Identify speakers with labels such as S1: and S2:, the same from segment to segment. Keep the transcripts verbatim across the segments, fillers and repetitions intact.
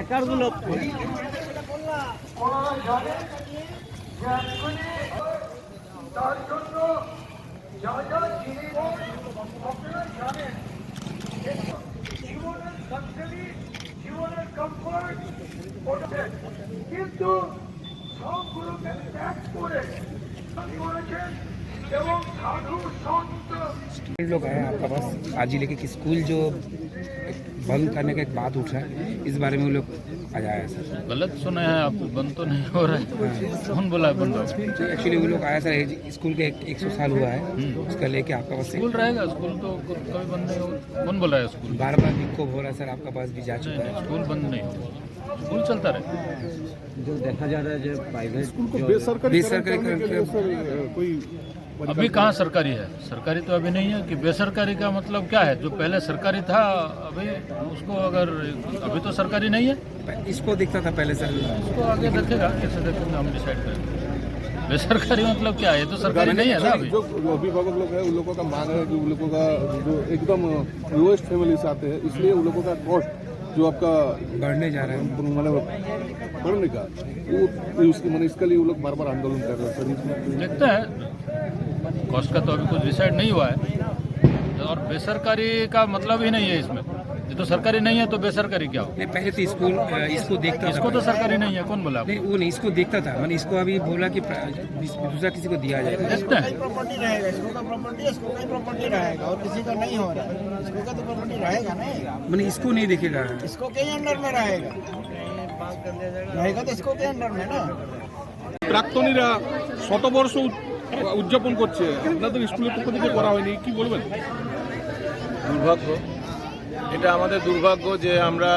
S1: কারগুলো
S2: তার জন্য যা যা জিনিস আপনারা জানেন, জীবনের সাকসেসি, জীবনের কমফোর্ট, কিন্তু সবগুলোকে ত্যাগ করে করেছেন এবং সাধু সন্ত
S3: लोग आए आपका पास आज जिले के स्कूल जो बंद करने का एक बात उठा है, इस बारे में वो लोग आज आया सर।
S4: गलत सुना है आप, बंद तो नहीं हो रहा है। कौन बोला है बंद?
S3: एक्चुअली वो लोग आया सर, स्कूल के एक सौ साल हुआ है, उसका लेके आपका पास
S4: स्कूल रहेगा, स्कूल तो कभी बंद नहीं होगा। कौन बोला है स्कूल?
S3: बार बार विक्षोभ हो रहा है सर, आपका पास भी जा चुका है।
S4: स्कूल बंद नहीं होगा, स्कूल चलता रहे।
S1: जो देखा जा रहा है जो प्राइवेट
S5: स्कूल को बेसरकारी
S3: बेसरकारी
S5: करने के लिए सर कोई
S4: अभी कहाँ सरकारी है? सरकारी तो अभी नहीं है। कि बेसरकारी का मतलब क्या है? जो पहले सरकारी था अभी उसको अगर अभी तो सरकारी नहीं है,
S3: इसको दिखता था पहले सर,
S4: उसको आगे देखेगा, कैसे देखेंगे हम डिसाइड करेंगे। बेसरकारी मतलब क्या है? ये तो सरकारी नहीं है ना अभी।
S5: जो अभिभावक लोग हैं उन लोगों का मांग है कि उन लोगों का जो एकदम लोएस्ट फैमिली से आते हैं, इसलिए उन लोगों का कॉस्ट जो आपका
S3: बढ़ने जा रहा है
S5: मतलब बढ़ने का वो उसके मैंने इसके लिए वो लोग बार बार आंदोलन कर रहे हैं सर। इसमें
S4: देखते हैं, कॉस्ट का तो अभी कुछ डिसाइड नहीं हुआ है। और बेसरकारी का मतलब ही नहीं है इसमें। ये तो सरकारी नहीं है तो बेसरकारी क्या हो?
S3: नहीं, पहले तो स्कूल इसको देखता था,
S4: इसको तो सरकारी नहीं है। कौन बोला?
S3: नहीं वो नहीं, इसको देखता था, मैंने इसको अभी बोला कि दूसरा किसी को दिया जाएगा।
S4: देखते हैं,
S6: प्रॉपर्टी रहेगा, इसको का प्रॉपर्टी है, इसको का प्रॉपर्टी रहेगा और किसी का नहीं हो रहा है। इसको का तो प्रॉपर्टी रहेगा नहीं,
S3: मैंने इसको नहीं देखेगा,
S6: इसको के अंडर में रहेगा रहेगा तो इसको के अंडर में ना।
S5: প্রাক্তনীরা শতবর্ষ উদযাপন করছে, আপনাদের স্কুলের পক্ষ থেকে করা হয়নি, কি বলবেন?
S7: দুর্ভাগ্য, এটা আমাদের দুর্ভাগ্য যে আমরা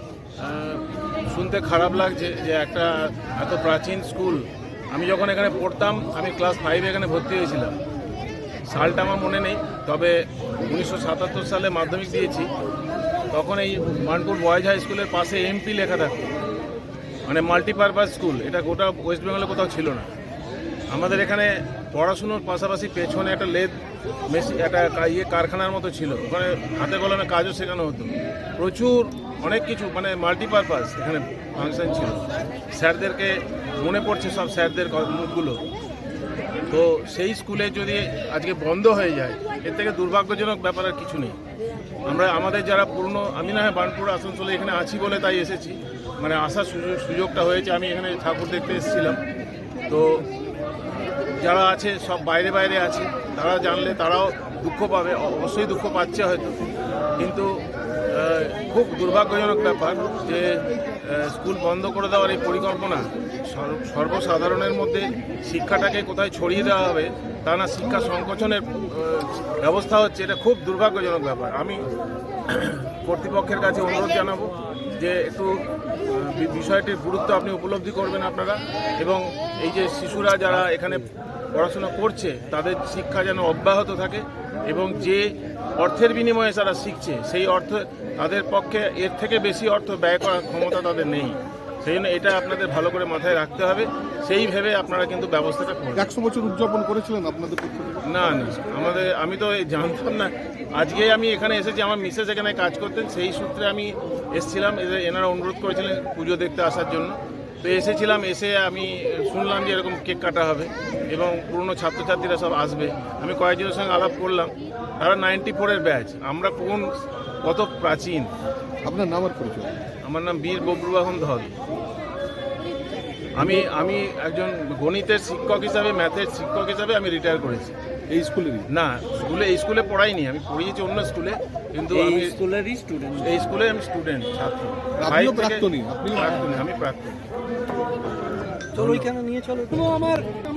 S7: শুনতে খারাপ লাগছে যে একটা এত প্রাচীন স্কুল। আমি যখন এখানে পড়তাম, আমি ক্লাস ফাইভে এখানে ভর্তি হয়েছিলাম, সালটা আমার মনে নেই, তবে উনিশশো সাতাত্তর সালে মাধ্যমিক দিয়েছি। তখন এই বার্নপুর বয়েজ হাই স্কুলের পাশে এমপি লেখা থাকতো, মানে মাল্টিপারপাস স্কুল। এটা গোটা ওয়েস্ট বেঙ্গলে কোথাও ছিল না। আমাদের এখানে পড়াশুনোর পাশাপাশি পেছনে একটা লেদ মেশিন, একটা ইয়ে কারখানার মতো ছিল, ওখানে হাতে কলমে কাজও শেখানো হতো। প্রচুর অনেক কিছু মানে মাল্টিপারপাস এখানে ফাংশন ছিল। স্যারদেরকে মনে পড়ছে সব স্যারদের মুখগুলো। তো সেই স্কুলে যদি আজকে বন্ধ হয়ে যায়, এর থেকে দুর্ভাগ্যজনক ব্যাপার আর কিছু নেই। আমরা আমাদের যারা পুরনো, আমি না হয় বার্নপুর আসানসোলে এখানে আছি বলে তাই এসেছি, মানে আসার সুযোগ সুযোগটা হয়েছে। আমি এখানে ঠাকুর দেখতে এসেছিলাম। তো যারা আছে সব বাইরে বাইরে আছে, তারা জানলে তারাও দুঃখ পাবে, অবশ্যই দুঃখ পাচ্ছে হয়তো। কিন্তু খুব দুর্ভাগ্যজনক ব্যাপার যে স্কুল বন্ধ করে দেওয়ার এই পরিকল্পনা সর্বসাধারণের মধ্যে শিক্ষাটাকে কোথায় ছড়িয়ে দেওয়া হবে তা না, শিক্ষা সংকোচনের ব্যবস্থা হচ্ছে, এটা খুব দুর্ভাগ্যজনক ব্যাপার। আমি কর্তৃপক্ষের কাছে অনুরোধ জানাবো যে একটু বিষয়টির গুরুত্ব আপনি উপলব্ধি করবেন আপনারা, এবং এই যে শিশুরা যারা এখানে পড়াশোনা করছে তাদের শিক্ষা যেন অব্যাহত থাকে, এবং যে অর্থের বিনিময়ে তারা শিখছে সেই অর্থ তাদের পক্ষে এর থেকে বেশি অর্থ ব্যয় করার ক্ষমতা তাদের নেই। সেই জন্য এটা আপনাদের ভালো করে মাথায় রাখতে হবে, সেই ভেবে আপনারা কিন্তু ব্যবস্থাটা করবেন।
S5: একশো বছর উদযাপন করেছিলেন আপনাদের?
S7: না না, আমাদের আমি তো জানতাম না, আজকে আমি এখানে এসেছি, আমার মিসেস এখানে কাজ করতেন, সেই সূত্রে আমি এসেছিলাম। এনারা অনুরোধ করেছিলেন পুজো দেখতে আসার জন্য, তো এসেছিলাম। এসে আমি শুনলাম যে এরকম কেক কাটা হবে এবং পুরনো ছাত্রছাত্রীরা সব আসবে। আমি কয়েকজনের সঙ্গে আলাপ করলাম, তারা নাইনটি ফোরের ব্যাচ। আমরা কোন কত প্রাচীন।
S5: আপনার নাম আর পরিচয়?
S7: আমার নাম বীর বব্রুবাহন ধল। আমি আমি একজন গণিতের শিক্ষক হিসাবে, ম্যাথের শিক্ষক হিসাবে আমি রিটায়ার করেছি।
S5: এই স্কুলেরই?
S7: না, স্কুলে এই স্কুলে পড়াইনি, আমি পড়িয়েছি অন্য স্কুলে, কিন্তু আমি
S1: স্কুলেরই স্টুডেন্ট।
S7: এই স্কুলে আমি স্টুডেন্ট, ছাত্র।
S5: আপনিও প্রাক্তনী? আপনি
S7: প্রাক্তনী, আমি প্রাক্তনী।
S1: চলো ওইখানে নিয়ে চলো। আমার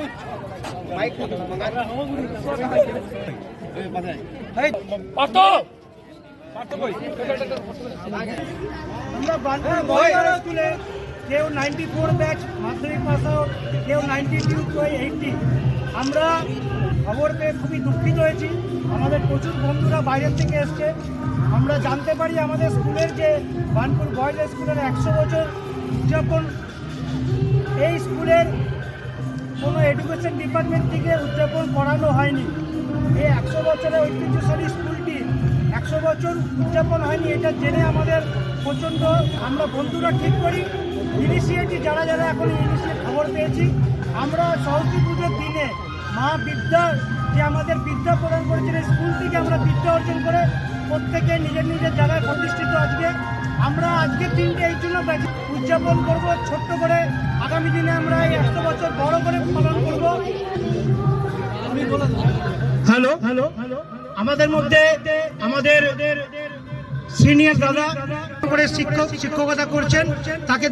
S6: আমরা বার্নপুর বয়েজ হাই স্কুলে কেউ নাইনটি ফোর ব্যাচ মাধ্যমিক পাস আউট, কেউ নাইনটি টু কেউ এইটটি। আমরা খবর পেয়ে খুবই দুঃখিত হয়েছি। আমাদের প্রচুর বন্ধুরা বাইরের থেকে এসছে। আমরা জানতে পারি আমাদের স্কুলের যে বার্নপুর বয়েজ হাই স্কুলের একশো বছর উদযাপন, এই স্কুলের কোনো এডুকেশন ডিপার্টমেন্ট থেকে উদযাপন করানো হয়নি। এই একশো বছরের ঐতিহ্যশালী স্কুলটি একশো বছর উদযাপন হয়নি, এটা জেনে আমাদের প্রচণ্ড, আমরা বন্ধুরা ঠিক করি ইনিশিয়েটিভ যারা যারা এখন ইনিশিয়েট খবর পেয়েছি, আমরা সরস্বতী পুজোর দিনে মা বিদ্যা যে আমাদের বিদ্যা প্রদান করেছেন, স্কুল থেকে আমরা বিদ্যা অর্জন করে প্রত্যেকে নিজের নিজের জায়গায় প্রতিষ্ঠিত। আজকে আমরা আজকের দিনটা এই জন্য উদযাপন করব ছোট্ট করে, আগামী দিনে আমরা এই একশো বছর বড় করে পালন করব। হ্যালো হ্যালো আমাদের মধ্যে আমাদের সিনিয়র দাদা করে শিক্ষক শিক্ষকতা করছেন, তাকে